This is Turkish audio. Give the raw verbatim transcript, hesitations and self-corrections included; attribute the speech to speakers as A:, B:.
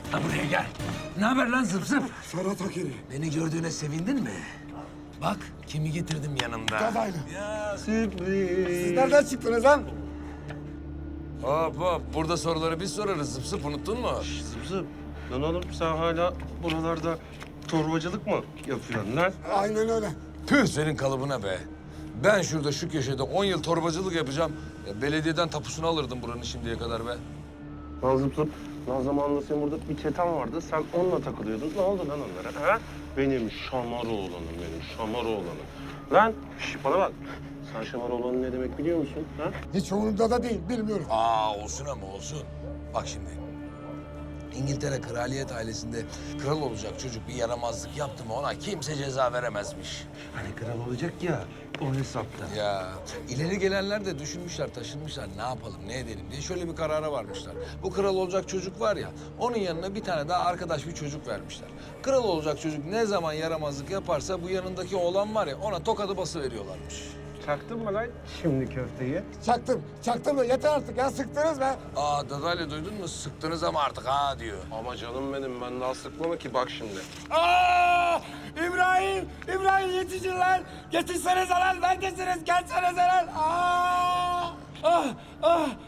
A: Ha buraya gel. Ne haber lan zıp zıp?
B: Ferhat Akeri.
A: Beni gördüğüne sevindin mi? Bak kimi getirdim yanımda.
B: Dadaylı.
A: Ya
B: Sürpriz. Siz nereden çıktınız lan?
A: hop hop. Burada soruları biz sorarız zıp zıp, unuttun mu?
C: Zıp zıp. Lan oğlum sen hala buralarda torbacılık mı yapıyorsun lan?
B: Aynen öyle.
A: Tüh senin kalıbına be. Ben şurada şu köşede on yıl torbacılık yapacağım. Ya belediyeden tapusunu alırdım buranın şimdiye kadar be.
C: Lan zıp zıp. Lan zamanında senin burada bir çeten vardı. Sen onunla takılıyordun. Ne oldu lan onlara? Ha? Benim şamar oğlanım benim, şamar oğlanım. Lan şş, bana bak. Sen şamar oğlanın ne demek biliyor musun? Ha?
B: Hiç umurumda da değil, bilmiyorum.
A: Aa olsun ama olsun. Bak şimdi. İngiltere kraliyet ailesinde kral olacak çocuk bir yaramazlık yaptı mı ona kimse ceza veremezmiş.
C: Hani kral olacak ya, o hesapta.
A: Ya ileri gelenler de düşünmüşler, taşınmışlar. Ne yapalım, ne edelim diye şöyle bir karara varmışlar. Bu kral olacak çocuk var ya, onun yanına bir tane daha arkadaş bir çocuk vermişler. Kral olacak çocuk ne zaman yaramazlık yaparsa bu yanındaki oğlan var ya ona tokadı basıveriyorlarmış.
C: Çaktın mı lan şimdi köfteyi?
B: Çaktım, çaktım da yeter artık ya, sıktınız be.
A: Aa dadayla duydun mu? Sıktınız ama artık ha diyor.
C: Ama canım benim, ben daha sıkmama ki bak şimdi.
B: Aa! İbrahim, İbrahim yetişin lan. Yetişsenize lan, neredesiniz? Gelsenize lan. Aa! Ah, ah,